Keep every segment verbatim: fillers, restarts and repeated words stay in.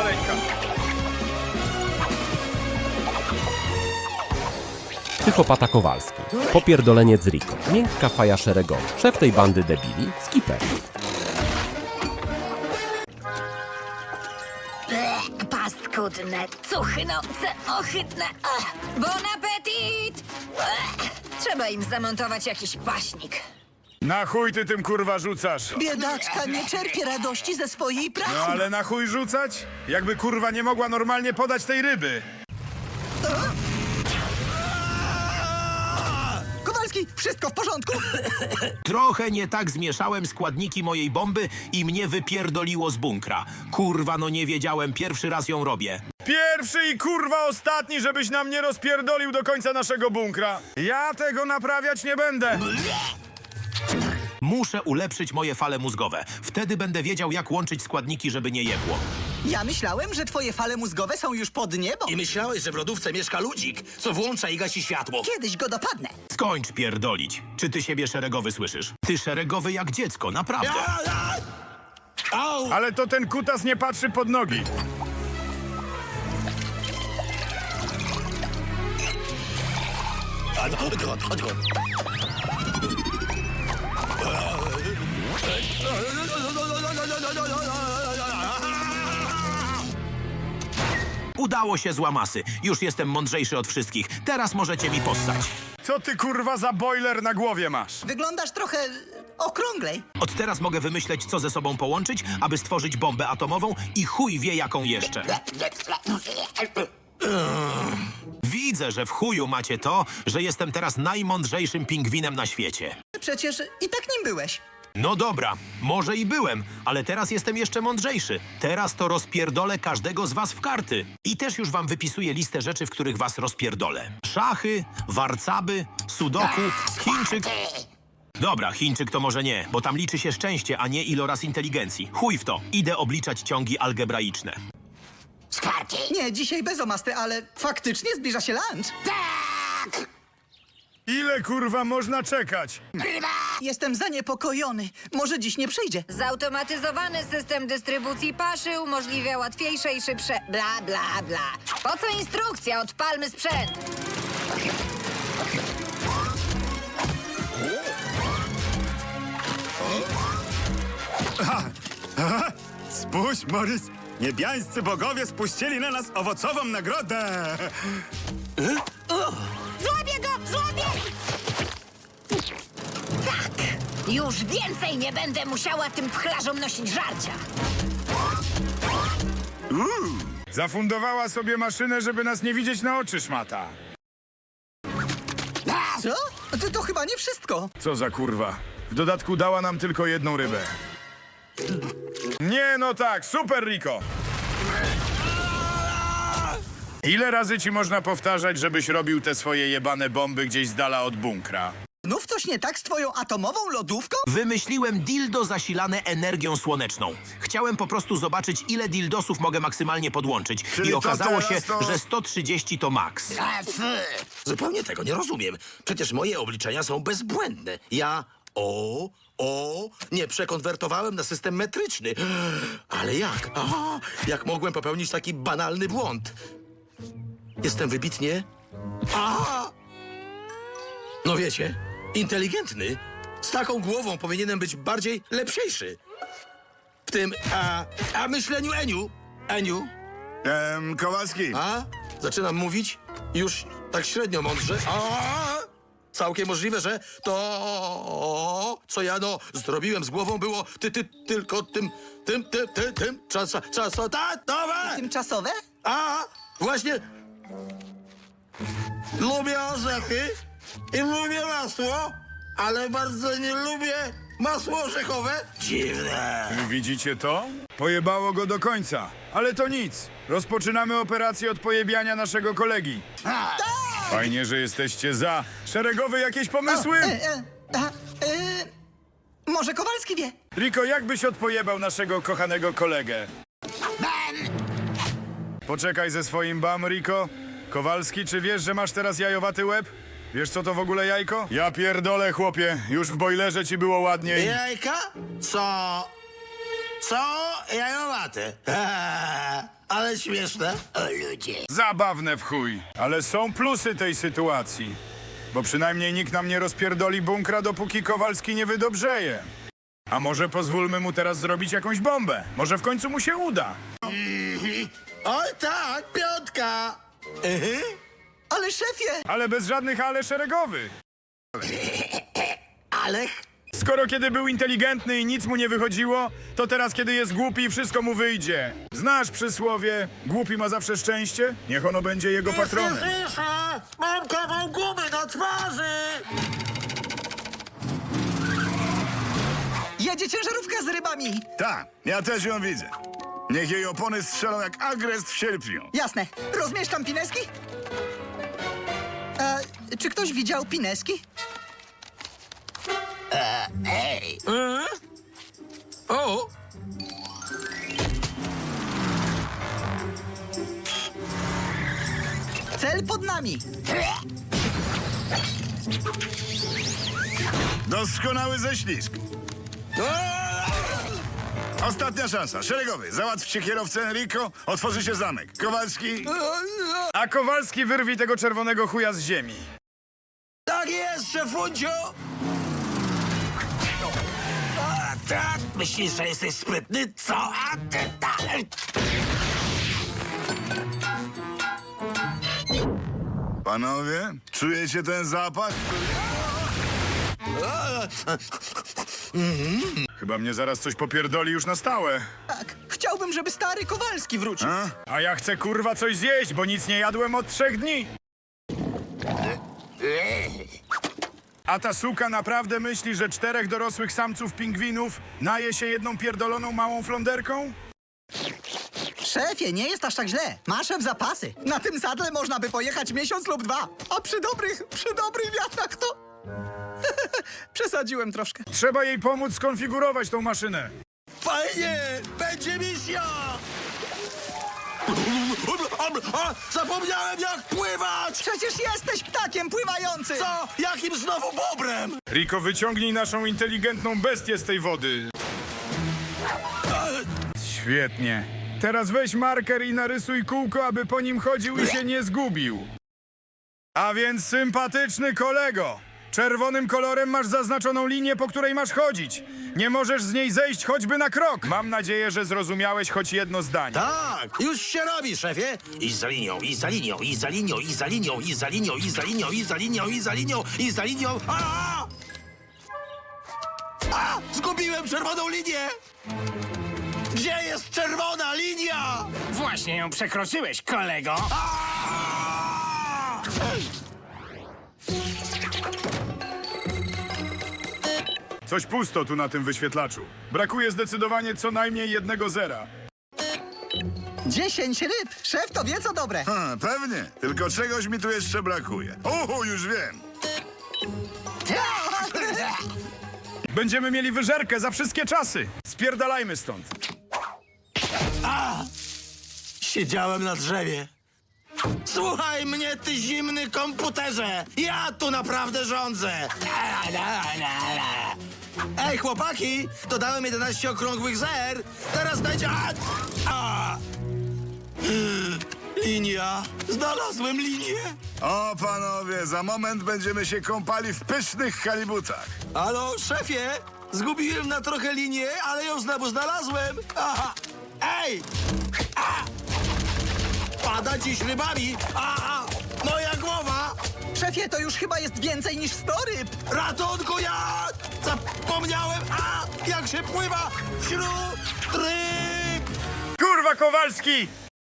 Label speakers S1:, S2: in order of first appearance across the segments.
S1: maleńka.
S2: Psychopata Kowalski, popierdoleniec z Rico, miękka faja szeregowa, szef tej bandy debili, Skipper.
S3: Ble, paskudne, cuchnące, ohydne. Ach, bon appetit! Ble, trzeba im zamontować jakiś paśnik.
S1: Na chuj ty tym kurwa rzucasz?
S4: Biedaczka nie czerpie radości ze swojej pracy.
S1: No ale na chuj rzucać? Jakby kurwa nie mogła normalnie podać tej ryby.
S4: Kowalski, wszystko w porządku?
S5: Trochę nie tak zmieszałem składniki mojej bomby i mnie wypierdoliło z bunkra. Kurwa, no nie wiedziałem, pierwszy raz ją robię.
S1: Pierwszy i kurwa ostatni, żebyś nam nie rozpierdolił do końca naszego bunkra. Ja tego naprawiać nie będę.
S5: Muszę ulepszyć moje fale mózgowe. Wtedy będę wiedział, jak łączyć składniki, żeby nie jebło.
S4: Ja myślałem, że twoje fale mózgowe są już pod niebo.
S6: I myślałeś, że w lodówce mieszka ludzik, co włącza i gasi światło.
S4: Kiedyś go dopadnę.
S5: Skończ pierdolić. Czy ty siebie szeregowy słyszysz? Ty szeregowy jak dziecko, naprawdę.
S6: Au!
S1: Ale to ten kutas nie patrzy pod nogi.
S5: Udało się z łamasy. Już jestem mądrzejszy od wszystkich. Teraz możecie mi possać.
S1: Co ty kurwa za boiler na głowie masz?
S4: Wyglądasz trochę okrąglej.
S5: Od teraz mogę wymyśleć, co ze sobą połączyć, aby stworzyć bombę atomową i chuj wie jaką jeszcze. Widzę, że w chuju macie to, że jestem teraz najmądrzejszym pingwinem na świecie.
S4: Przecież i tak nim byłeś.
S5: No dobra, może i byłem, ale teraz jestem jeszcze mądrzejszy. Teraz to rozpierdolę każdego z was w karty. I też już wam wypisuję listę rzeczy, w których was rozpierdolę. Szachy, warcaby, sudoku, Chińczyk... Dobra, Chińczyk to może nie, bo tam liczy się szczęście, a nie iloraz inteligencji. Chuj w to, idę obliczać ciągi algebraiczne.
S3: Skarki?
S4: Nie, dzisiaj bez omasty, ale faktycznie zbliża się lunch.
S3: Tak!
S1: Ile kurwa można czekać?
S4: Jestem zaniepokojony. Może dziś nie przyjdzie.
S3: Zautomatyzowany system dystrybucji paszy umożliwia łatwiejsze i szybsze bla bla bla. Po co instrukcja? Odpalmy sprzęt.
S7: Spójrz, Morris, niebiańscy bogowie spuścili na nas owocową nagrodę.
S3: Złapię go! Złapię! Tak! Już więcej nie będę musiała tym pchlarzom nosić żarcia.
S1: Zafundowała sobie maszynę, żeby nas nie widzieć na oczy, szmata.
S4: Co? To, to chyba nie wszystko.
S1: Co za kurwa. W dodatku dała nam tylko jedną rybę. Nie, no tak, super, Rico. Ile razy ci można powtarzać, żebyś robił te swoje jebane bomby gdzieś z dala od bunkra?
S4: Znów coś nie tak z twoją atomową lodówką?
S5: Wymyśliłem dildo zasilane energią słoneczną. Chciałem po prostu zobaczyć, ile dildosów mogę maksymalnie podłączyć.
S1: Czyli
S5: I
S1: to
S5: okazało się,
S1: teraz to-
S5: że sto trzydzieści to maks.
S6: Zupełnie tego nie rozumiem. Przecież moje obliczenia są bezbłędne. Ja o, o, nie przekonwertowałem na system metryczny. Ale jak? A, jak mogłem popełnić taki banalny błąd? Jestem wybitnie... A! No wiecie, inteligentny. Z taką głową powinienem być bardziej lepsiejszy. W tym, a, a myśleniu Eniu. Eniu,
S7: Ehm, Kowalski,
S6: a? Zaczynam mówić już tak średnio mądrze. A? Całkiem możliwe, że to, co ja no zrobiłem z głową, było ty, ty, tylko tym, tym, tym, tym, tym, czasa, czasotatowe.
S4: Tymczasowe?
S6: A, właśnie lubię orzechy i lubię masło, ale bardzo nie lubię masło orzechowe. Dziwne.
S1: Widzicie to? Pojebało go do końca. Ale to nic. Rozpoczynamy operację od pojebiania naszego kolegi. Fajnie, że jesteście za. Szeregowy jakieś pomysły?
S4: E, e, a, e, może Kowalski wie?
S1: Rico, jak byś odpojebał naszego kochanego kolegę? Poczekaj ze swoim bam, Rico. Kowalski, czy wiesz, że masz teraz jajowaty łeb? Wiesz, co to w ogóle jajko? Ja pierdolę, chłopie. Już w bojlerze ci było ładniej.
S6: Jajka? Co? Są jajowate. Ale śmieszne. O ludzie.
S1: Zabawne w chuj. Ale są plusy tej sytuacji. Bo przynajmniej nikt nam nie rozpierdoli bunkra, dopóki Kowalski nie wydobrzeje. A może pozwólmy mu teraz zrobić jakąś bombę? Może w końcu mu się uda.
S6: Oj tak, piątka. Mhm.
S4: Ale szefie!
S1: Ale bez żadnych ale szeregowych.
S6: Ale...
S1: Skoro kiedy był inteligentny i nic mu nie wychodziło, to teraz kiedy jest głupi, wszystko mu wyjdzie. Znasz przysłowie, głupi ma zawsze szczęście? Niech ono będzie jego patronem.
S6: Słyszę! Mam kawał gumy na twarzy!
S4: Jedzie ciężarówka z rybami!
S7: Tak, ja też ją widzę. Niech jej opony strzelą jak agrest w sierpniu.
S4: Jasne. Rozmieszczam pineski? E, czy ktoś widział pineski?
S6: O!
S4: Cel pod nami!
S7: Doskonały ześlizg. Ostatnia szansa. Szeregowy, załatwcie kierowcę Enrico, otworzy się zamek. Kowalski...
S1: A Kowalski wyrwi tego czerwonego chuja z ziemi.
S6: Tak jest, szefuncio! A, tak? Myślisz, że jesteś sprytny? Co? A ty dalej!
S7: Panowie, czujecie ten zapach?
S1: Chyba mnie zaraz coś popierdoli już na stałe.
S4: Tak. Chciałbym, żeby stary Kowalski wrócił.
S7: A?
S1: A ja chcę kurwa coś zjeść, bo nic nie jadłem od trzech dni. A ta suka naprawdę myśli, że czterech dorosłych samców pingwinów naje się jedną pierdoloną małą flonderką?
S4: Szefie, nie jest aż tak źle. Masz w zapasy. Na tym sadle można by pojechać miesiąc lub dwa. A przy dobrych, przy dobrych wiatrach to... Przesadziłem troszkę.
S1: Trzeba jej pomóc skonfigurować tą maszynę.
S6: Fajnie! Będzie misja! A, zapomniałem jak pływać!
S4: Przecież jesteś ptakiem pływającym!
S6: Co? Jakim znowu bobrem?
S1: Riko, wyciągnij naszą inteligentną bestię z tej wody. Świetnie. Teraz weź marker i narysuj kółko, aby po nim chodził i się nie zgubił. A więc sympatyczny kolego, czerwonym kolorem masz zaznaczoną linię, po której masz chodzić. Nie możesz z niej zejść choćby na krok. Mam nadzieję, że zrozumiałeś choć jedno zdanie.
S6: Tak, już się robi, szefie. I za linią, i za linią, i za linią, i za linią, i za linią, i za linią, i za linią, i za linią, i za linią. A! A! Zgubiłem czerwoną linię! Gdzie jest czerwona linia?
S8: Właśnie ją przekroczyłeś, kolego.
S6: A!
S1: Coś pusto tu na tym wyświetlaczu. Brakuje zdecydowanie co najmniej jednego zera.
S4: Dziesięć ryb. Szef to wie co dobre.
S7: Ha, pewnie, tylko czegoś mi tu jeszcze brakuje. Uhu, już wiem.
S1: Będziemy mieli wyżerkę za wszystkie czasy. Spierdalajmy stąd.
S6: Siedziałem na drzewie. Słuchaj mnie, ty zimny komputerze! Ja tu naprawdę rządzę! Ej, chłopaki! Dodałem jedenaście okrągłych zer! Teraz będzie... A! A! Linia! Znalazłem linię!
S7: O, panowie, za moment będziemy się kąpali w pysznych halibutach.
S6: Halo, szefie! Zgubiłem na trochę linię, ale ją znowu znalazłem! Aha! Ej! A! Pada dziś rybami! A! A! Moja głowa!
S4: Szefie, to już chyba jest więcej niż sto ryb.
S6: Ratunku, ja! Zapomniałem! A! Jak się pływa wśród ryb!
S1: Kurwa, Kowalski!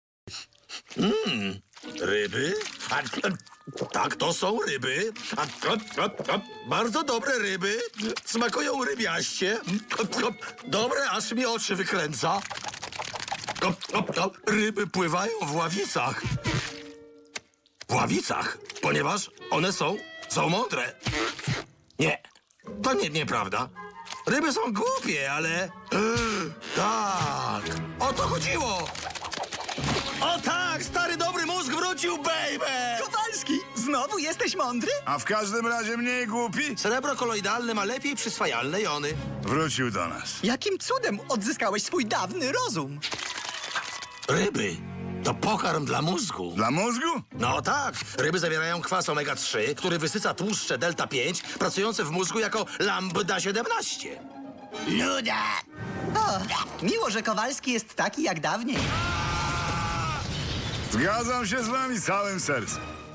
S6: Ryby? A, a, tak, to są ryby. A, a, a, a, bardzo dobre ryby. Smakują rybiaście. A, a, dobre, aż mi oczy wykręca. A, a, a, ryby pływają w ławicach. W ławicach, ponieważ one są, są mądre. Nie, to nie, nieprawda. Ryby są głupie, ale... Tak, o to chodziło. O tak, stary dobry mózg wrócił, baby!
S4: Kowalski, Znowu jesteś mądry?
S7: A w każdym razie mniej głupi?
S6: Srebro koloidalne ma lepiej przyswajalne jony.
S7: Wrócił do nas.
S4: Jakim cudem odzyskałeś swój dawny rozum?
S6: Ryby to pokarm dla mózgu.
S7: Dla mózgu?
S6: No tak, ryby zawierają kwas omega trzy, który wysyca tłuszcze delta pięć, pracujące w mózgu jako lambda siedemnaście. Nuda!
S4: O, miło, że Kowalski jest taki jak dawniej.
S7: Zgadzam się z wami całym sercem.